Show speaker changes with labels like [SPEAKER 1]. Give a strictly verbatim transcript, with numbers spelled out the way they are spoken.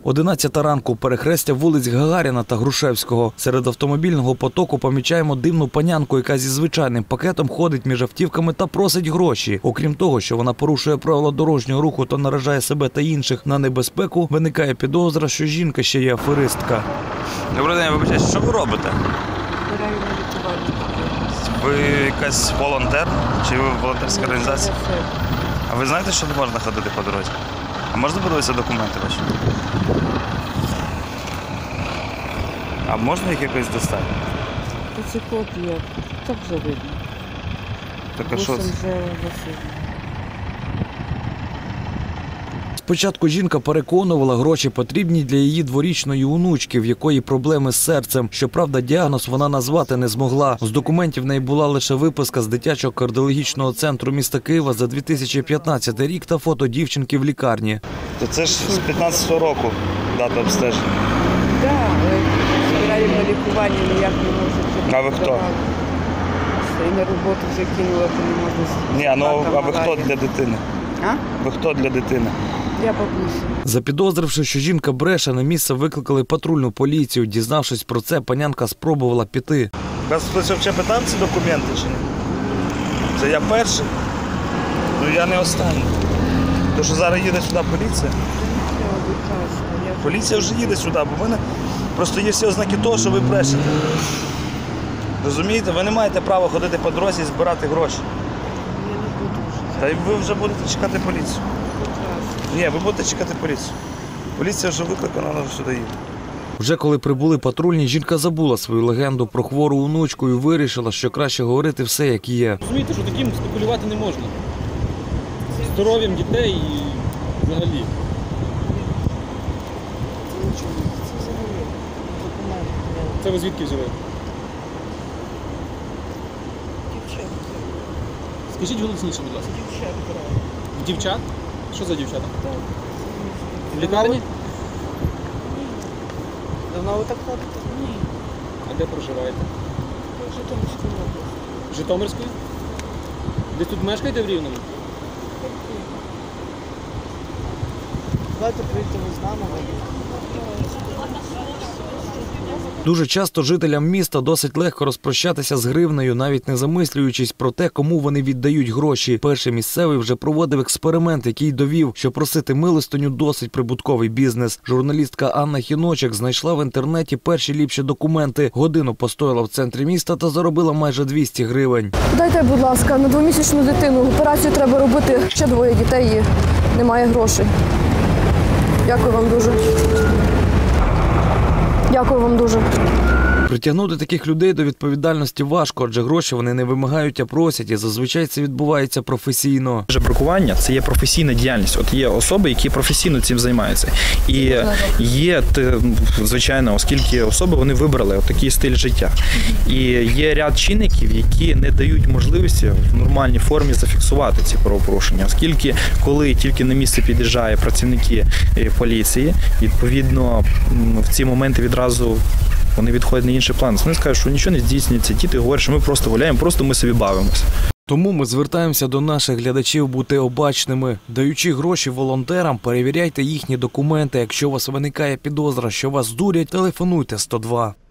[SPEAKER 1] одинадцята ранку, перехрестя вулиць Гагаріна та Грушевського. Серед автомобільного потоку помічаємо дивну панянку, яка зі звичайним пакетом ходить між автівками та просить гроші. Окрім того, що вона порушує правила дорожнього руху та наражає себе та інших на небезпеку, виникає підозра, що жінка ще є аферистка.
[SPEAKER 2] Добрий день, вибачайте, що ви робите?
[SPEAKER 3] Збираю на лікування.
[SPEAKER 2] Ви якась волонтер? Чи ви волонтерська організація? А ви знаєте, що не можна ходити по дорозі? А можна подивитися документи ваші? А можна їх якось достати?
[SPEAKER 3] Це копія. Так вже видно.
[SPEAKER 2] Так а що це?
[SPEAKER 1] Спочатку жінка переконувала, гроші потрібні для її дворічної онучки, в якої проблеми з серцем. Щоправда, діагноз вона назвати не змогла. З документів в неї була лише виписка з дитячого кардіологічного центру міста Києва за дві тисячі п'ятнадцятий рік та фото дівчинки в лікарні.
[SPEAKER 2] То це ж з п'ятнадцятого року дата обстеження.
[SPEAKER 3] Так, але збираю на лікування, ніяк не можу.
[SPEAKER 2] А ви хто?
[SPEAKER 3] І на роботу вже кинула, то не можна.
[SPEAKER 2] Ні, ну а ви хто для дитини?
[SPEAKER 3] А?
[SPEAKER 2] Ви хто для дитини?
[SPEAKER 3] Я бабуся.
[SPEAKER 1] Запідозривши, що жінка бреше, на місце викликали патрульну поліцію. Дізнавшись про це, панянка спробувала піти.
[SPEAKER 2] Вас хтось взагалі питав ці документи чи ні? Це я перший? Ну я не останній. Тому що зараз їде сюди поліція. Поліція вже їде сюди, бо в мене просто є всі ознаки того, що ви брешете. Розумієте? Ви не маєте права ходити по дорозі і збирати гроші.
[SPEAKER 3] Я не буду вже.
[SPEAKER 2] Та й ви вже будете чекати поліцію. Ні, ви будете чекати поліцію. Поліція вже викликана, вона вже сюди їде.
[SPEAKER 1] Вже коли прибули патрульні, жінка забула свою легенду про хвору онучку і вирішила, що краще говорити все, як є.
[SPEAKER 4] Розумієте, що таким спекулювати не можна. Здоров'ям дітей і взагалі. Це ви звідки взяли? Скажіть голосніше, будь ласка. В дівчат? Що за дівчата? В лікарні?
[SPEAKER 3] Давно ви так ходите? Ні.
[SPEAKER 4] А де проживаєте?
[SPEAKER 3] В Житомирській області.
[SPEAKER 4] Житомирської? Десь тут мешкаєте в Рівному?
[SPEAKER 3] Давайте прийти ви з нами.
[SPEAKER 1] Дуже часто жителям міста досить легко розпрощатися з гривнею, навіть не замислюючись про те, кому вони віддають гроші. Перший місцевий вже проводив експеримент, який довів, що просити милостиню досить прибутковий бізнес. Журналістка Анна Хіночек знайшла в інтернеті перші ліпші документи. Годину постояла в центрі міста та заробила майже двісті гривень.
[SPEAKER 5] Дайте, будь ласка, на двомісячну дитину. Операцію треба робити. Ще двоє дітей і немає грошей. Дякую вам дуже. Дякую вам дуже.
[SPEAKER 1] Притягнути таких людей до відповідальності важко, адже гроші вони не вимагають, а просять, і зазвичай це відбувається професійно.
[SPEAKER 6] Жебракування – це є професійна діяльність. От є особи, які професійно цим займаються. І є, звичайно, оскільки особи, вони вибрали такий стиль життя. І є ряд чинників, які не дають можливості в нормальній формі зафіксувати ці правопорушення. Оскільки, коли тільки на місце під'їжджають працівники поліції, відповідно, в ці моменти відразу вони відходять на інший план. Вони скажуть, що нічого не здійснюється. Діти говорять, що ми просто гуляємо, просто ми собі бавимося.
[SPEAKER 1] Тому ми звертаємося до наших глядачів бути обачними. Даючи гроші волонтерам, перевіряйте їхні документи. Якщо у вас виникає підозра, що вас дурять, телефонуйте сто два.